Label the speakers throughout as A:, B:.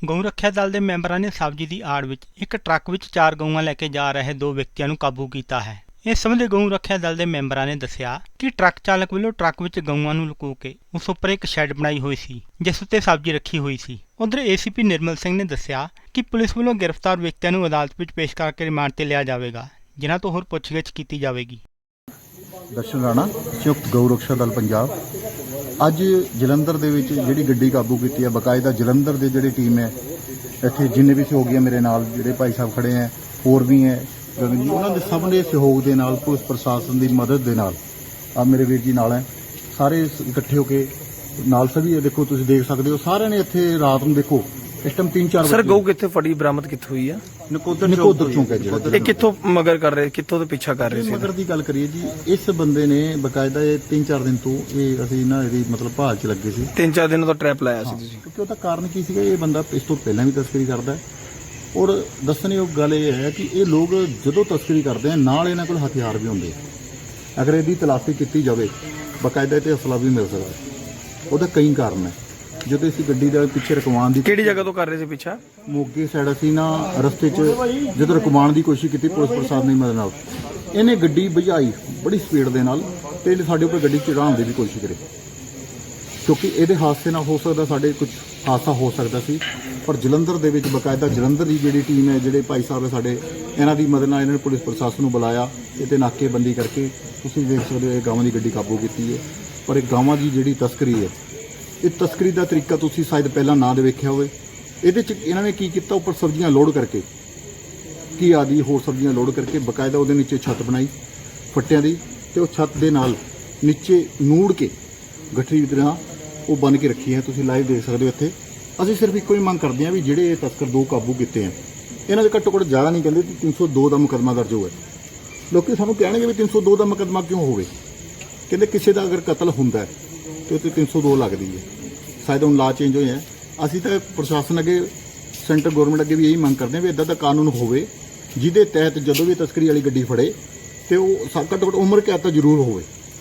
A: ਗਊ ਰੱਖਿਆ ਦਲ ਦੇ ਮੈਂਬਰਾਂ ਨੇ ਸਬਜ਼ੀ ਦੀ ਆੜ ਵਿੱਚ ਇੱਕ ਟਰੱਕ ਵਿੱਚ 4 ਗਊਆਂ ਲੈ ਕੇ ਜਾ ਰਹੇ 2 ਵਿਅਕਤੀਆਂ ਨੂੰ ਕਾਬੂ ਕੀਤਾ ਹੈ। ਇਸ ਸੰਬੰਧੀ ਗਊ ਰੱਖਿਆ ਦਲ ਦੇ ਮੈਂਬਰਾਂ ਨੇ ਦੱਸਿਆ ਕਿ ਟਰੱਕ ਚਾਲਕ ਵੱਲੋਂ ਟਰੱਕ ਵਿੱਚ ਗਊਆਂ ਨੂੰ ਲੁਕੋ ਕੇ ਉਸ ਉੱਪਰ ਇੱਕ ਸ਼ੈੱਡ ਬਣਾਈ ਹੋਈ ਸੀ ਜਿਸ ਉੱਤੇ ਸਬਜ਼ੀ ਰੱਖੀ ਹੋਈ ਸੀ। ਉਧਰ ਏਸੀਪੀ ਨਿਰਮਲ ਸਿੰਘ ਨੇ ਦੱਸਿਆ ਕਿ ਪੁਲਿਸ ਵੱਲੋਂ ਗ੍ਰਿਫਤਾਰ ਵਿਅਕਤੀਆਂ ਨੂੰ ਅਦਾਲਤ ਵਿੱਚ ਪੇਸ਼ ਕਰਕੇ ਰਿਮਾਂਡ ਤੇ ਲਿਆ ਜਾਵੇਗਾ, ਜਿਨ੍ਹਾਂ ਤੋਂ ਹੋਰ ਪੁੱਛਗਿੱਛ ਕੀਤੀ ਜਾਵੇਗੀ।
B: ਦਰਸ਼ਨ ਰਾਣਾ, ਸੰਯੁਕਤ ਗਊ ਰੱਖਿਆ ਦਲ ਪੰਜਾਬ। ਅੱਜ ਜਲੰਧਰ ਦੇ ਵਿੱਚ ਜਿਹੜੀ ਗੱਡੀ ਕਾਬੂ ਕੀਤੀ ਹੈ, ਬਕਾਇਦਾ ਜਲੰਧਰ ਦੇ ਜਿਹੜੀ ਟੀਮ ਹੈ, ਇੱਥੇ ਜਿੰਨੇ ਵੀ ਸਹਿਯੋਗੀ ਮੇਰੇ ਨਾਲ ਜਿਹੜੇ ਭਾਈ ਸਾਹਿਬ ਖੜੇ ਹੈ, ਹੋਰ ਵੀ ਹੈ ਗਗਨ ਜੀ, ਉਹਨਾਂ ਦੇ ਸਭ ਦੇ ਸਹਿਯੋਗ ਦੇ ਨਾਲ, ਪੁਲਿਸ ਪ੍ਰਸ਼ਾਸਨ ਦੀ ਮਦਦ ਦੇ ਨਾਲ, ਆ ਮੇਰੇ ਵੀਰ ਜੀ ਨਾਲ ਹੈ, ਸਾਰੇ ਇਕੱਠੇ ਹੋ ਕੇ ਨਾਲ ਸਭੀ ਦੇਖੋ, ਤੁਸੀਂ ਦੇਖ ਸਕਦੇ ਹੋ ਸਾਰਿਆਂ ਨੇ ਇੱਥੇ ਰਾਤ ਨੂੰ ਦੇਖੋ ਇਸ ਟਾਈਮ 3-4
C: ਸਰ ਗਊ ਕਿੱਥੇ ਫੜੀ ਬਰਾਮਦ ਕਿੱਥੋਂ ਹੋਈ ਆ?
B: ਨਕੋਦਰ ਚੌਂਕ ਹੈ ਜਿਹੜਾ।
C: ਇਹ ਕਿੱਥੋਂ ਮਗਰ ਕਰ ਰਹੇ, ਕਿੱਥੋਂ ਤੋਂ ਪਿੱਛਾ ਕਰ ਰਹੇ ਸੀ?
B: ਮਗਰ ਦੀ ਗੱਲ ਕਰੀਏ ਜੀ, ਇਸ ਬੰਦੇ ਨੇ ਬਕਾਇਦਾ ਇਹ 3-4 ਦਿਨ ਤੋਂ ਇਹ ਅਸੀਂ ਨਾ ਇਹਦੀ ਮਤਲਬ ਭਾਲ 'ਚ ਲੱਗੇ ਸੀ।
C: 3-4 ਦਿਨਾਂ ਤੋਂ ਟ੍ਰੈਪ ਲਾਇਆ ਸੀ ਤੁਸੀਂ?
B: ਕਿਉਂਕਿ ਉਹਦਾ ਕਾਰਨ ਕੀ ਸੀਗਾ, ਇਹ ਬੰਦਾ ਇਸ ਤੋਂ ਪਹਿਲਾਂ ਵੀ ਤਸਕਰੀ ਕਰਦਾ ਹੈ ਔਰ ਦੱਸਣਯੋਗ ਗੱਲ ਇਹ ਹੈ ਕਿ ਇਹ ਲੋਕ ਜਦੋਂ ਤਸਕਰੀ ਕਰਦੇ ਆ ਨਾਲ ਇਹਨਾਂ ਕੋਲ ਹਥਿਆਰ ਵੀ ਹੁੰਦੇ। ਅਗਰ ਇਹਦੀ ਤਲਾਸ਼ੀ ਕੀਤੀ ਜਾਵੇ ਬਕਾਇਦਾ ਤੇ ਅਸਲਾ ਵੀ ਮਿਲ ਸਕਦਾ। ਉਹਦਾ ਕਈ ਕਾਰਨ ਹੈ। ਜਦੋਂ ਅਸੀਂ ਗੱਡੀ ਦੇ ਪਿੱਛੇ ਰੁਕਵਾਉਣ ਦੀ,
C: ਕਿਹੜੀ ਜਗ੍ਹਾ ਤੋਂ ਕਰ ਰਹੇ ਸੀ ਪਿੱਛਾ?
B: ਮੋਗੇ ਸਾਈਡ ਅਸੀਂ ਨਾ ਰਸਤੇ 'ਚ ਜਦੋਂ ਰੁਕਵਾਉਣ ਦੀ ਕੋਸ਼ਿਸ਼ ਕੀਤੀ ਪੁਲਿਸ ਪ੍ਰਸ਼ਾਸਨ ਦੀ ਮਦਦ ਨਾਲ, ਇਹਨੇ ਗੱਡੀ ਭਜਾਈ ਬੜੀ ਸਪੀਡ ਦੇ ਨਾਲ ਤੇ ਸਾਡੇ ਉੱਪਰ ਗੱਡੀ ਚੜਾਉਣ ਦੀ ਵੀ ਕੋਸ਼ਿਸ਼ ਕਰੀ, ਕਿਉਂਕਿ ਇਹਦੇ ਹਾਦਸੇ ਨਾਲ ਹੋ ਸਕਦਾ ਸਾਡੇ ਕੁਝ ਹਾਦਸਾ ਹੋ ਸਕਦਾ ਸੀ। ਪਰ ਜਲੰਧਰ ਦੇ ਵਿੱਚ ਬਕਾਇਦਾ ਜਲੰਧਰ ਦੀ ਜਿਹੜੀ ਟੀਮ ਹੈ, ਜਿਹੜੇ ਭਾਈ ਸਾਹਿਬ ਸਾਡੇ, ਇਹਨਾਂ ਦੀ ਮਦਦ ਨਾਲ ਇਹਨਾਂ ਨੇ ਪੁਲਿਸ ਪ੍ਰਸ਼ਾਸਨ ਨੂੰ ਬੁਲਾਇਆ ਤੇ ਨਾਕੇਬੰਦੀ ਕਰਕੇ ਤੁਸੀਂ ਦੇਖ ਸਕਦੇ ਹੋ ਇਹ ਗਾਵਾਂ ਦੀ ਗੱਡੀ ਕਾਬੂ ਕੀਤੀ ਹੈ। ਪਰ ਇਹ ਗਾਵਾਂ ਦੀ ਜਿਹੜੀ ਤਸਕਰੀ ਹੈ, ਇਹ ਤਸਕਰੀ ਦਾ ਤਰੀਕਾ ਤੁਸੀਂ ਸ਼ਾਇਦ ਪਹਿਲਾਂ ਨਾ ਦੇ ਵੇਖਿਆ ਹੋਵੇ। ਇਹਦੇ 'ਚ ਇਹਨਾਂ ਨੇ ਕੀ ਕੀਤਾ, ਉੱਪਰ ਸਬਜ਼ੀਆਂ ਲੋਡ ਕਰਕੇ, ਕੀ ਆਦਿ ਹੋਰ ਸਬਜ਼ੀਆਂ ਲੋਡ ਕਰਕੇ ਬਕਾਇਦਾ ਉਹਦੇ ਨੀਚੇ ਛੱਤ ਬਣਾਈ ਫੱਟਿਆਂ ਦੀ, ਤੇ ਉਹ ਛੱਤ ਦੇ ਨਾਲ ਨੀਚੇ ਨੂੜ ਕੇ ਗੱਠੜੀ ਦੀ ਤਰ੍ਹਾਂ ਉਹ ਬਣ ਕੇ ਰੱਖੀ ਹੈ। ਤੁਸੀਂ ਲਾਈਵ ਦੇਖ ਸਕਦੇ ਹੋ ਇੱਥੇ। ਅਸੀਂ ਸਿਰਫ ਇੱਕੋ ਹੀ ਮੰਗ ਕਰਦੇ ਹਾਂ ਵੀ ਜਿਹੜੇ ਇਹ ਤਸਕਰ 2 ਕਾਬੂ ਕੀਤੇ ਆ, ਇਹਨਾਂ ਦੇ ਘੱਟੋ ਘੱਟ ਜ਼ਿਆਦਾ ਨਹੀਂ ਕਹਿੰਦੇ 302 ਦਾ ਮੁਕੱਦਮਾ ਦਰਜ ਹੋਇਆ। ਲੋਕੀ ਸਾਨੂੰ ਕਹਿਣਗੇ ਵੀ 302 ਦਾ ਮੁਕੱਦਮਾ ਕਿਉਂ ਹੋਵੇ? ਕਹਿੰਦੇ ਕਿਸੇ ਦਾ ਅਗਰ ਕਤਲ ਹੁੰਦਾ ਹੈ ਤੇ ਉੱਤੇ 302 ਲੱਗਦੀ ਹੈ। ਸ਼ਾਇਦ ਹੁਣ ਲਾ ਚੇਂਜ ਹੋਏ ਹੈ। ਅਸੀਂ ਤਾਂ ਪ੍ਰਸ਼ਾਸਨ ਅੱਗੇ, ਸੈਂਟਰ ਗਵਰਨਮੈਂਟ ਅੱਗੇ ਵੀ ਇਹੀ ਮੰਗ ਕਰਦੇ ਹਾਂ ਵੀ ਇੱਦਾਂ ਦਾ ਕਾਨੂੰਨ ਹੋਵੇ ਜਿਹਦੇ ਤਹਿਤ ਜਦੋਂ ਵੀ ਤਸਕਰੀ ਵਾਲੀ ਗੱਡੀ ਫੜੇ ਤੇ ਉਹ ਘੱਟੋ ਘੱਟ ਉਮਰ ਕੈਦ ਤਾਂ ਜ਼ਰੂਰ ਹੋਵੇ।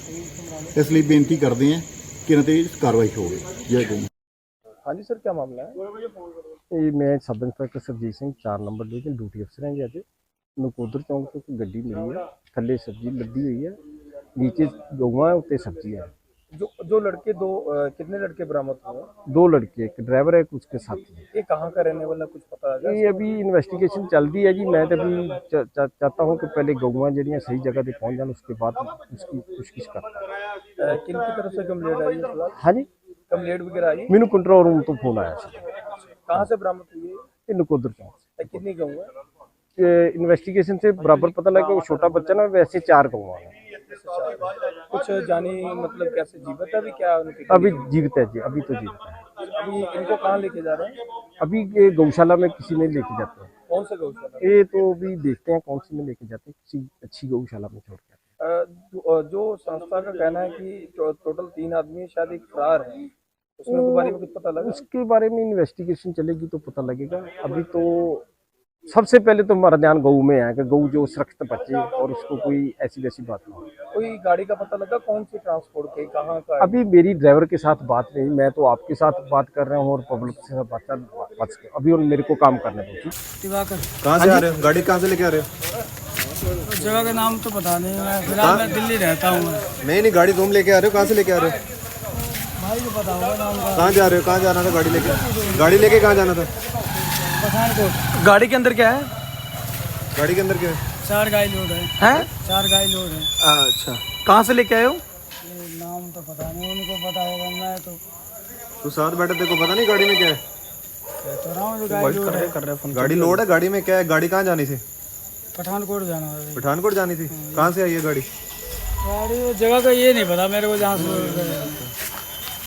B: ਇਸ ਲਈ ਬੇਨਤੀ ਕਰਦੇ ਹਾਂ ਕਿ ਇਹਨਾਂ ਤੇ ਕਾਰਵਾਈ ਹੋਵੇ। ਜੈ ਗਊ।
C: हाँ जी सर, क्या मामला है?
D: ये मैं सब inspector Sarjeet Singh 4 number division duty अफसर हैं जी। अज नकोदर चौंक तो कोई गड्डी मिली है, थले सब्जी लदी हुई है, नीचे गऊँ है, उत्ते सब्जी है।
C: जो लड़के कितने लड़के बरामद हुए?
D: 2 लड़के, एक ड्राइवर है, उसके साथी है।
C: ये कहाँ का रहने वाला, कुछ पता है?
D: ये अभी इन्वेस्टिगेशन चल रही है जी। मैं तो अभी चाहता हूँ कि पहले गऊँ जड़ियाँ सही जगह पर पहुँच जाए, उसके बाद उसकी पुछगिछ करता।
C: किन की तरफ से कंप्लेंट आई है?
D: हाँ जी,
C: कंप्लेंट वगैरह आई?
D: मैनू कंट्रोल रूम तो फोन आया सी।
C: कहाँ से बरामद हुई है?
D: ये नकोदर चौंक से।
C: कितनी गऊ है?
D: इन्वेस्टिगेशन से बराबर पता लगा कि वो छोटा बच्चा ना, वैसे 4 गऊँ हैं।
C: कुछ जानी मतलब कैसे जीवित है अभी? क्या उनकी
D: अभी जीवित है जी, अभी तो जीवित है।
C: अभी इनको कहाँ लेके जा रहे हैं?
D: अभी ये गौशाला में किसी में लेके जाते हैं।
C: कौन से गौशाला?
D: ये तो अभी देखते हैं कौन सी में लेके जाते हैं, किसी अच्छी गौशाला में छोड़ के।
C: जो संस्था का कहना है कि टोटल 3 आदमी शायद एक फरार है, उसमें के बारे में कुछ पता लगा?
D: उसके बारे में इन्वेस्टिगेशन चलेगी तो पता लगेगा। अभी तो सबसे पहले तो हमारा ध्यान गऊ में है कि गऊ जो सुरक्षित बचे और उसको कोई ऐसी वैसी बात ना हो।
C: कोई गाड़ी का पता लगा कौन सी ट्रांसपोर्ट के, कहाँ का है?
D: अभी मेरी ड्राइवर के साथ बात नहीं, मैं तो आपके साथ बात कर रहा हूँ और पब्लिक के साथ बात अभी और मेरे को काम करने दो।
E: कहाँ से आ रहे हो? गाड़ी कहाँ से लेके आ रहे हो?
F: जगह का नाम तो पता नहीं, मैं फिलहाल मैं दिल्ली रहता हूँ।
E: नहीं, गाड़ी तुम लेके आ रहे हो? कहाँ से लेके आ रहे हो?
F: भाई को पता होगा नाम का।
E: कहाँ जा रहे हो? कहाँ जाना था गाड़ी लेके? गाड़ी लेके कहाँ जाना था?
F: पठानकोट।
C: गाड़ी के अंदर क्या है?
E: गाड़ी के अंदर क्या है?
F: 4 गाय लोड है।
C: हैं?
F: 4 गाय लोड है।
C: अच्छा, कहाँ से लेके आए हो?
F: ये नाम तो पता नहीं, उनको पता होगा। मैं तो
E: तू साथ बैठे, तेरे को पता नहीं गाड़ी में क्या है?
F: कह तो रहा हूँ जो गाय लोड है।
C: कर रहे फोन।
E: गाड़ी लोड है, गाड़ी में क्या है? गाड़ी कहाँ जानी थी?
F: पठानकोट जाना है
E: पठानकोट जानी थी। कहाँ से आई है गाड़ी?
F: गाड़ी वो जगह का ये नहीं पता मेरे को, जहाँ से